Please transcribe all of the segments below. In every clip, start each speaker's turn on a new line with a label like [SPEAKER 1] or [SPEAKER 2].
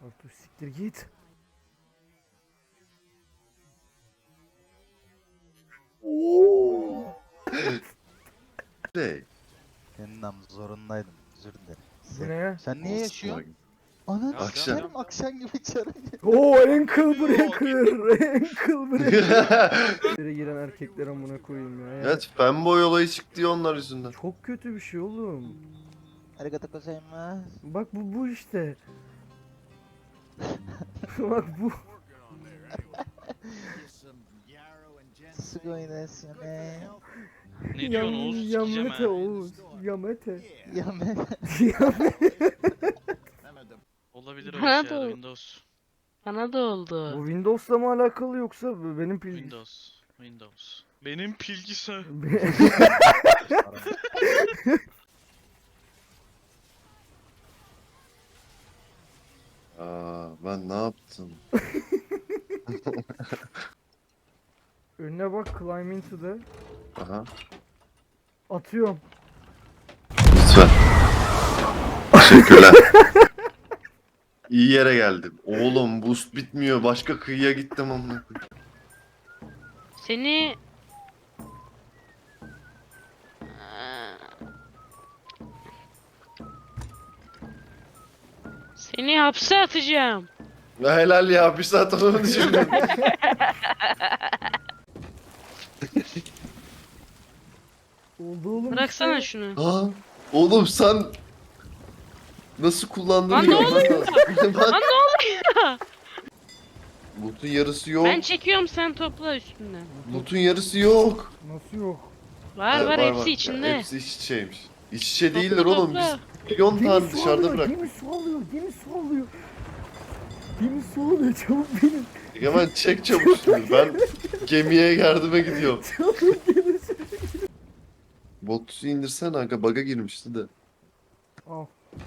[SPEAKER 1] Kartuş siktir git.
[SPEAKER 2] Şey.
[SPEAKER 3] Yeniden zorundaydım. Özür dilerim.
[SPEAKER 1] Bu ne ya?
[SPEAKER 3] Sen niye yaşıyorsun?
[SPEAKER 2] Akşam.
[SPEAKER 3] Ananı sikerim akşam gibi içeri.
[SPEAKER 1] Oo, ankle breaker. Ankle breaker. İçeri giren erkekler amına koyayım ya.
[SPEAKER 2] Evet, fanboy olayı çıktı ya onlar yüzünden.
[SPEAKER 1] Çok kötü bir şey oğlum.
[SPEAKER 3] Arigato gozaimasu.
[SPEAKER 1] Bak bu işte. Bak bu.
[SPEAKER 3] Sugoi desu ne.
[SPEAKER 4] Ne diyorsun Oğuz? Sikeceğim
[SPEAKER 1] Yamete
[SPEAKER 4] ha.
[SPEAKER 1] Oğuz. Yamete.
[SPEAKER 3] Ya ben
[SPEAKER 4] Olabilir
[SPEAKER 5] Bana
[SPEAKER 4] öyle
[SPEAKER 5] da
[SPEAKER 4] şeyler
[SPEAKER 5] ol-
[SPEAKER 4] Windows.
[SPEAKER 5] Bana da oldu.
[SPEAKER 1] Bu Windows'la mı alakalı yoksa benim pil...
[SPEAKER 4] Windows. Benim bilgisayar.
[SPEAKER 2] Ben ne yaptım?
[SPEAKER 1] Önüne bak, climb into the.
[SPEAKER 2] Aha.
[SPEAKER 1] Atıyorum.
[SPEAKER 2] Lütfen. Teşekkürler. İyi yere geldim. Oğlum boost bitmiyor. Başka kıyıya gittim amına koyayım.
[SPEAKER 5] Seni Seni hapse atacağım.
[SPEAKER 2] Helal ya, bir saat onu düşündüm.
[SPEAKER 1] Oldu oğlum
[SPEAKER 5] Bıraksana
[SPEAKER 1] işte.
[SPEAKER 5] şunu.
[SPEAKER 2] Aa, oğlum sen nasıl kullandığını
[SPEAKER 5] Lan ne
[SPEAKER 2] görmen
[SPEAKER 5] oluyor?
[SPEAKER 2] lazım.
[SPEAKER 5] Lan ne oluyor?
[SPEAKER 2] Loot'un yarısı yok.
[SPEAKER 5] Ben çekiyorum, sen topla üstünden.
[SPEAKER 2] Loot'un yarısı yok.
[SPEAKER 1] Nasıl yok?
[SPEAKER 5] Var var, hepsi içinde.
[SPEAKER 2] Hepsi iç içeymiş. İç içe
[SPEAKER 5] Topla,
[SPEAKER 2] değiller oğlum.
[SPEAKER 5] topla.
[SPEAKER 2] Biz milyon tane
[SPEAKER 1] Gemi su
[SPEAKER 2] dışarıda
[SPEAKER 1] alıyor,
[SPEAKER 2] bırak.
[SPEAKER 1] gemi su alıyor, gemi su alıyor. Gemi su alıyor, çabuk benim.
[SPEAKER 2] Hemen çek çabuk şunu. Ben gemiye yardıma gidiyorum.
[SPEAKER 1] Çabuk gemi su.
[SPEAKER 2] Botu indirsene aga, bug'a girmişti de.
[SPEAKER 1] Al.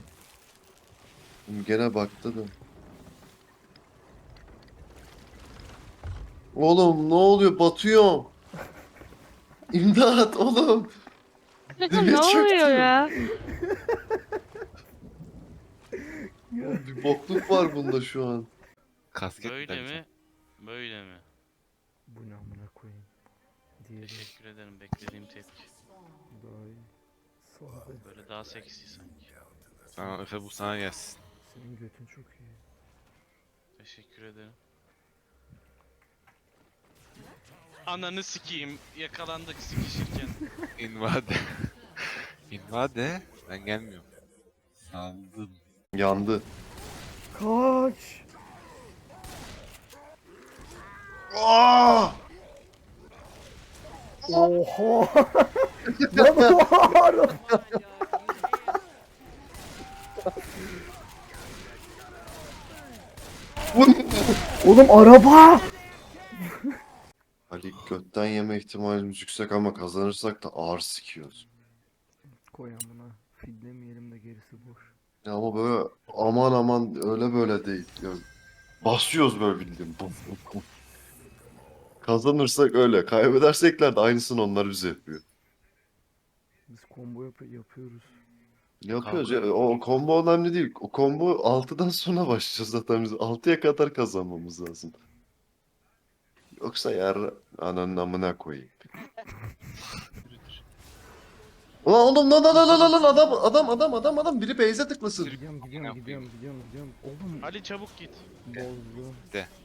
[SPEAKER 2] Gene baktı da. Oğlum ne oluyor? Batıyor. İmdat oğlum.
[SPEAKER 5] Ne
[SPEAKER 2] Dibe
[SPEAKER 5] oluyor
[SPEAKER 2] çöktüm.
[SPEAKER 5] ya?
[SPEAKER 2] Oğlum, bir bokluk var bunda şu an.
[SPEAKER 6] Kasket
[SPEAKER 4] Böyle mi? Böyle mi?
[SPEAKER 1] Bu ne amına koyayım. Diğeri
[SPEAKER 4] Teşekkür ederim, beklediğim tepki.
[SPEAKER 1] daha iyi. Sağda.
[SPEAKER 4] Böyle daha seksi sanki.
[SPEAKER 6] Tamam Efe, bu sana gelsin.
[SPEAKER 1] Senin götün çok iyi.
[SPEAKER 4] Teşekkür ederim. Ananı sikeyim. Yakalandık sikişirken.
[SPEAKER 6] İnvade. İnvade. Ben gelmiyorum. Saldım.
[SPEAKER 2] Yandı.
[SPEAKER 1] Kaç.
[SPEAKER 2] Aa!
[SPEAKER 1] Oha. Lan oha. Oğlum araba.
[SPEAKER 2] Ali, götten yeme ihtimalimiz yüksek ama kazanırsak da ağır sikiyoruz.
[SPEAKER 1] Koy amına. Fidlemeyelim de gerisi boş.
[SPEAKER 2] Ya ama böyle aman aman öyle böyle değil. Ya, basıyoruz böyle bildiğin. Buf, buf, buf. Kazanırsak öyle. Kaybedersekler de aynısını onlar bize yapıyor.
[SPEAKER 1] Biz combo yapıyoruz.
[SPEAKER 2] Yapıyoruz ya. O combo önemli değil. O combo 6'dan sonra başlayacağız zaten biz. 6'ya kadar kazanmamız lazım. Yoksa yar ananın amına koyayım. Ulan oğlum lan adam biri base'e tıklasın.
[SPEAKER 1] Gidiyorum. Oğlum
[SPEAKER 4] Ali çabuk git.
[SPEAKER 1] bozdu.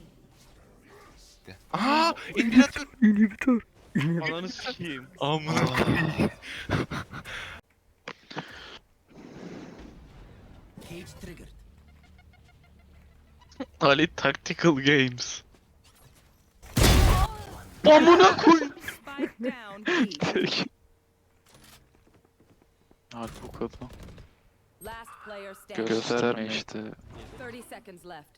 [SPEAKER 6] Aa! İndiratör.
[SPEAKER 1] İnhibitör.
[SPEAKER 4] Ananı sikeyim.
[SPEAKER 6] Amına koyayım.
[SPEAKER 4] Ali Tactical Games. Amına koy.
[SPEAKER 7] Spike down. B.
[SPEAKER 4] Abi bu kadar.
[SPEAKER 7] Last player standing.
[SPEAKER 4] Gösterme işte.
[SPEAKER 7] 30 seconds left.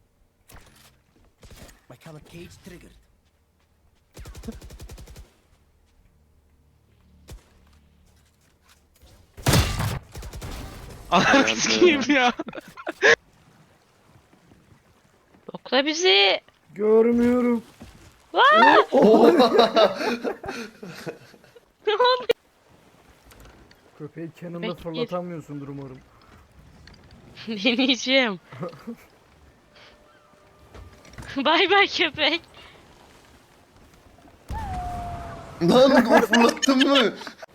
[SPEAKER 8] My camera cage triggered.
[SPEAKER 4] Ananı sikeyim ya.
[SPEAKER 5] Okla bizi.
[SPEAKER 1] Görmüyorum. Köpeği Cannon'da
[SPEAKER 5] Köpek bir.
[SPEAKER 1] fırlatamıyorsundur umarım.
[SPEAKER 5] Deneyeceğim. Bay bay köpek.
[SPEAKER 2] Lan o fırlattın mı?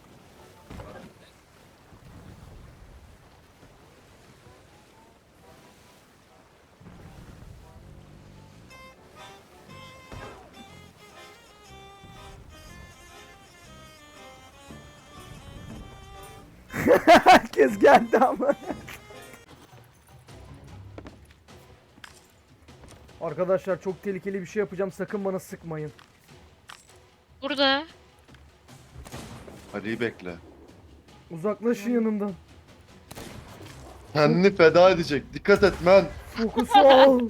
[SPEAKER 1] Herkes geldi ama. Arkadaşlar çok tehlikeli bir şey yapacağım. Sakın bana sıkmayın.
[SPEAKER 5] Burada.
[SPEAKER 2] Ali'yi bekle.
[SPEAKER 1] Uzaklaşın yanımdan.
[SPEAKER 2] Kendini feda edecek. Dikkat et men.
[SPEAKER 1] Fokus ol.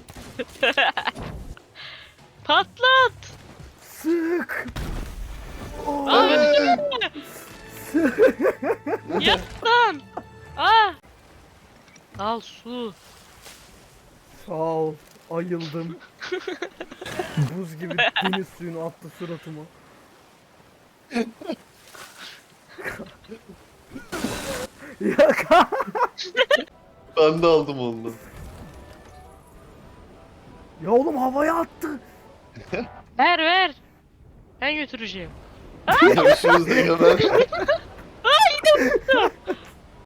[SPEAKER 5] Patlat.
[SPEAKER 1] Sık.
[SPEAKER 5] Abi yat lan. Ah. Al su.
[SPEAKER 1] Sağ ol. Ayıldım. Buz gibi deniz suyunu attı suratıma. Ya
[SPEAKER 2] Ben de aldım ondan.
[SPEAKER 1] ya oğlum havaya attı.
[SPEAKER 5] Ver ver. Ben götüreceğim.
[SPEAKER 2] Görüşürüz diye ben.